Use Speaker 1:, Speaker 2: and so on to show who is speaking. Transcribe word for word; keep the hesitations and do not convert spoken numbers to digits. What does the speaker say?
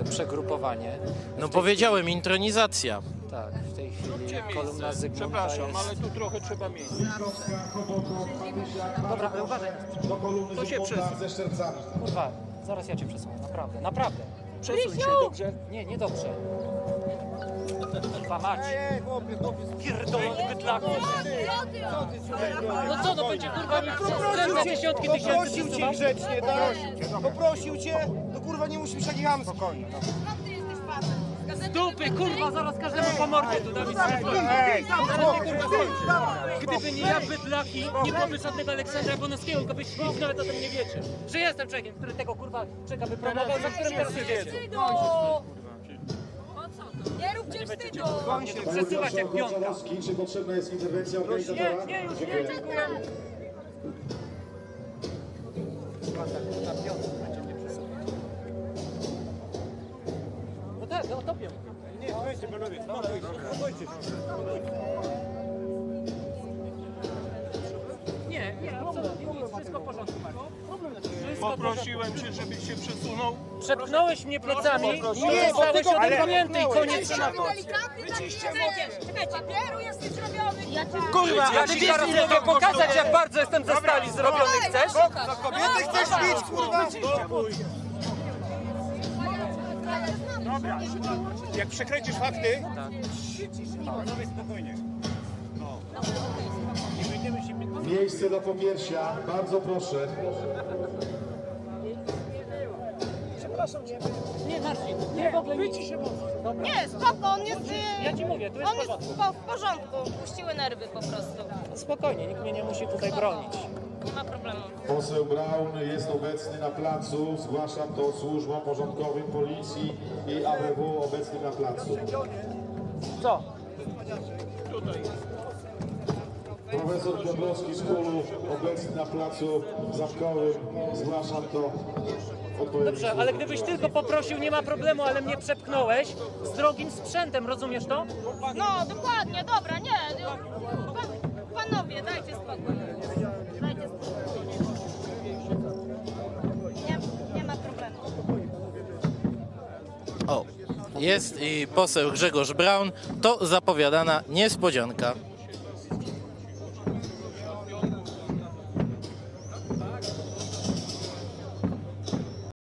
Speaker 1: naprawdę przegrupowanie.
Speaker 2: No powiedziałem, intronizacja.
Speaker 1: Tak, w tej chwili kolumna Zygmunta
Speaker 3: Przepraszam,
Speaker 1: jest...
Speaker 3: ale tu trochę trzeba miejsca.
Speaker 1: Dobra, ale uważaj.
Speaker 3: To się przesuń.
Speaker 1: Kurwa, zaraz ja cię przesunę, naprawdę, naprawdę.
Speaker 3: Przesuń się, dobrze?
Speaker 1: Nie, nie dobrze. Kurwa mać. Pierdolony bydlaku. No co, to będzie kurwa mi skręca dziesiątki tysięcy.
Speaker 4: Poprosił cię grzecznie, tak? Poprosił cię, to kurwa nie musisz taki hamski. Spokojnie.
Speaker 1: Z dupy, kurwa, zaraz każdemu po mordzie tu dam. Gdyby nie ja, bydlaki, nie byłoby żadnego Aleksandra Bonowskiego, tylko byście nic nawet o tym nie wiecie. Że jestem człowiekiem, który tego kurwa czeka wypromował, za którym teraz jedziecie.
Speaker 5: Nie róbcie wstydu!
Speaker 1: Przesuwać jak piątka.
Speaker 6: Czy potrzebna jest interwencja organizatora?
Speaker 1: Nie, nie, już nie, dziękuję. Na piątkę będzie mnie przesuwać. No tak, no topię.
Speaker 4: Nie, weźcie panowie, spokójcie.
Speaker 1: Nie, nie, absolutnie nic, wszystko w porządku, Marcin.
Speaker 3: Poprosiłem cię, żebyś się przesunął.
Speaker 1: Przepchnąłeś mnie plecami i
Speaker 3: poprosiłem.
Speaker 1: nie zostałeś odepchnięty i koniec tematu.
Speaker 5: Czekaj, papieru jesteś zrobiony! Ja cię...
Speaker 1: Kurwa, a ty wiesz, ile to pokazać, jak bardzo jestem ze stali zrobiony, chcesz?
Speaker 4: Za kobiety chcesz bić, kurwa?
Speaker 3: Dobra, jak przekręcisz fakty,
Speaker 6: Miejsce do popiersia, bardzo proszę.
Speaker 1: Nie, Marcin, nie, w ogóle nic. Dobra,
Speaker 5: Nie, spoko, on jest...
Speaker 1: ja ci mówię, tu jest
Speaker 5: On
Speaker 1: w
Speaker 5: jest
Speaker 1: porządku.
Speaker 5: po, w porządku, puściły nerwy po prostu.
Speaker 1: Spokojnie, nikt mnie nie musi tutaj bronić.
Speaker 5: Nie ma problemu.
Speaker 6: Poseł Braun jest obecny na placu. Zgłaszam to służbom porządkowym policji i A B W obecnym na placu.
Speaker 1: Co?
Speaker 6: Profesor Dąbrowski z Kulu obecny na placu zamkowym. Zgłaszam to.
Speaker 1: Dobrze, ale gdybyś tylko poprosił, nie ma problemu, ale mnie przepchnąłeś z drogim sprzętem, rozumiesz to?
Speaker 5: No, dokładnie, dobra, nie. Pan, panowie, dajcie spokój. Dajcie spokój. Nie, nie ma problemu.
Speaker 2: O, jest i poseł Grzegorz Braun. To zapowiadana niespodzianka.